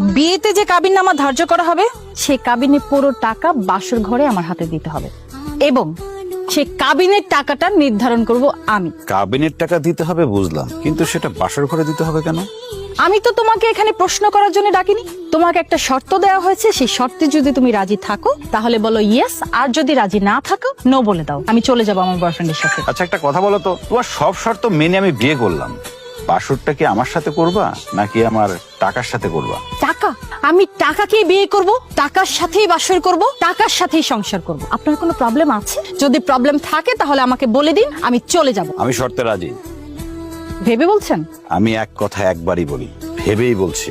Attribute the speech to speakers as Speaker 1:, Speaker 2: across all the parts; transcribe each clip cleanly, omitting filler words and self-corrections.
Speaker 1: বিয়েতে যে কাবিননামা ধার্য করা হবে সেই কাবিনের পুরো টাকা বাসর ঘরে আমার হাতে দিতে হবে এবং সেই কাবিনের টাকাটা নির্ধারণ করব আমি।
Speaker 2: কাবিনের টাকা দিতে হবে বুঝলাম, কিন্তু সেটা বাসর ঘরে দিতে হবে কেন?
Speaker 1: আমি তো তোমাকে এখানে প্রশ্ন করার জন্য ডাকিনি, তোমাকে একটা শর্ত দেওয়া হয়েছে, সেই শর্তে যদি তুমি রাজি থাকো তাহলে বলো ইয়েস, আর যদি রাজি না থাকো নো বলে দাও, আমি চলে যাবো আমার বয়ফ্রেন্ডের সাথে।
Speaker 2: আচ্ছা একটা কথা বলো তো, তোমার সব শর্ত মেনে আমি বিয়ে করলাম, বাসরটা কি আমার সাথে করবা নাকি আমার টাকার সাথে করবা?
Speaker 1: টাকা? আমি টাকাকেই বিয়ে করব, টাকার সাথেই বাসর করব, টাকার সাথেই সংসার করব। আপনার কোনো প্রবলেম আছে? যদি প্রবলেম থাকে তাহলে আমাকে বলে দিন, আমি চলে যাব।
Speaker 2: আমি শর্তে রাজি।
Speaker 1: ভেবে বলছেন?
Speaker 2: আমি এক কথা একবারই বলি, ভেবেই বলছি।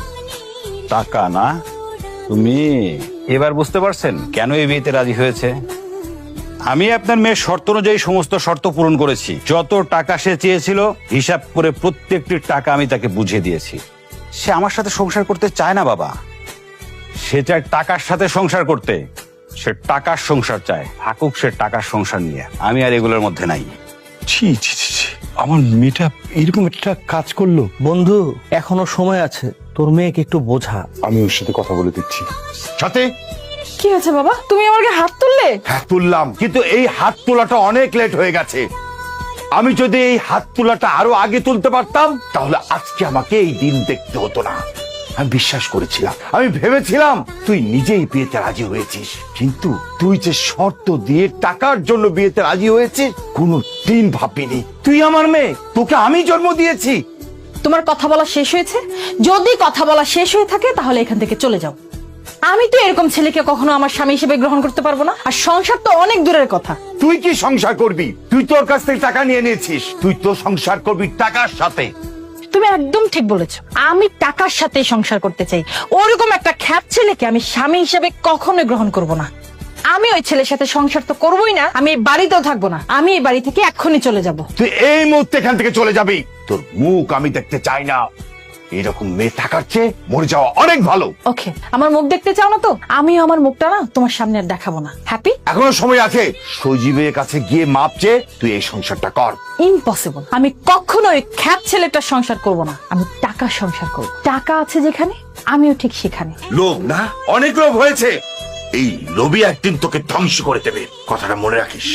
Speaker 2: টাকা না? তুমি এবার বুঝতে পারছেন কেন এই বিয়েতে রাজি হয়েছে? আমি আপনার মেয়ের শর্ত অনুযায়ী সমস্ত শর্ত পূরণ করেছি। যত টাকা সে চেয়েছিল হিসাব করে প্রত্যেকটি টাকা আমি তাকে বুঝিয়ে দিয়েছি। সে আমার সাথে সংসার করতে চায় না বাবা, সে চায় টাকার সাথে সংসার করতে। সে টাকার সংসার চায়, থাকুক সে টাকার সংসার নিয়ে। আমি আর এগুলোর মধ্যে নাই।
Speaker 3: ছি ছি ছি ছি, আমার মেয়েটা এরকম একটা কাজ করলো।
Speaker 4: বন্ধু এখনো সময় আছে, তোর মেয়েকে একটু বোঝা।
Speaker 3: আমি ওর সাথে কথা বলে দিচ্ছি।
Speaker 5: সাথে
Speaker 1: কি হয়েছে বাবা, তুমি আমাকে হাত তুললে?
Speaker 5: হ্যাঁ তুললাম, কিন্তু এই হাত তোলাটা অনেক লেট হয়ে গেছে। আমি যদি এই হাত তোলাটা আরো আগে তুলতে পারতাম তাহলে আজকে আমাকে এই দিন দেখতে হতো না। আমি বিশ্বাস করেছিলাম, আমি ভেবেছিলাম তুই নিজেই বিয়েতে রাজি হয়েছিস, কিন্তু তুই যে শর্ত দিয়ে টাকার জন্য বিয়েতে রাজি হয়েছিস কোনো দিন ভাবিনি। তুই আমার মেয়ে, তোকে আমি জন্ম দিয়েছি।
Speaker 1: তোমার কথা বলা শেষ হয়েছে? যদি কথা বলা শেষ হয়ে থাকে তাহলে এখান থেকে চলে যাও। আমি তো এরকম ছেলেকে কখনো আমার স্বামী হিসেবে গ্রহণ করতে পারবো না, আর সংসার তো অনেক দূরের কথা।
Speaker 5: তুই কি সংসার করবি? তুই তোর কাছ থেকে টাকা নিয়ে নিয়েছিস, তুই তো সংসার করবি টাকার সাথে।
Speaker 1: তুমি একদম ঠিক বলেছো, আমি টাকার সাথে সংসার করতে চাই। ওরকম একটা খ্যাপ ছেলেকে আমি স্বামী হিসেবে কখনোই গ্রহণ করব না। আমি ওই ছেলের সাথে সংসার তো করবোই না, আমি এই বাড়িতেও থাকবো না। আমি এই বাড়ি থেকে এক্ষুনি চলে যাব।
Speaker 5: তুই এই মুহূর্তে এখান থেকে চলে যাবি। তোর মুখ আমি দেখতে চাই না। এরকম মেয়ে থাকার চেয়ে মরে যাওয়া অনেক ভালো।
Speaker 1: ওকে, আমার মুখ দেখতে চাও না তো আমিও আমার মুখটা না তোমার সামনে আর দেখাবো না। হ্যাপি?
Speaker 5: এখনো সময় আছে। সজীবের কাছে গিয়ে মাপ চেয়ে তুই এই সংসারটা কর।
Speaker 1: ইম্পসিবল, আমি কখনো ওই খ্যাপ ছেলেটার সংসার করব না। আমি টাকার সংসার করব। টাকা আছে যেখানে আমিও ঠিক সেখানে।
Speaker 5: লোভ না, অনেক লোভ হয়েছে। এই লোভী একদিন তোকে ধ্বংস করে দেবে, কথাটা মনে রাখিস।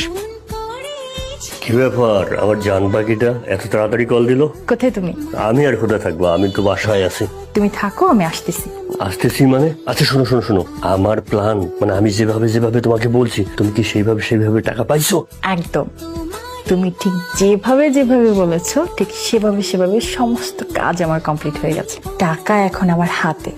Speaker 6: কি ব্যাপার, আমার জান পাখিটা এত তাড়াতাড়ি কল দিল?
Speaker 1: কোথায় তুমি?
Speaker 6: আমি আর কোথায় থাকবো, আমি তো বাসায় আছি।
Speaker 1: তুমি থাকো, আমি আসতেছি।
Speaker 6: আসতেছি মানে? আচ্ছা শোনো শোনো শোনো, আমার প্ল্যান মানে আমি যেভাবে যেভাবে তোমাকে বলছি তুমি কি সেইভাবে টাকা পাইছো?
Speaker 1: একদম, তুমি ঠিক যেভাবে যেভাবে বলেছো ঠিক সেভাবে সমস্ত কাজ আমার কমপ্লিট হয়ে গেছে। টাকা এখন আমার হাতে।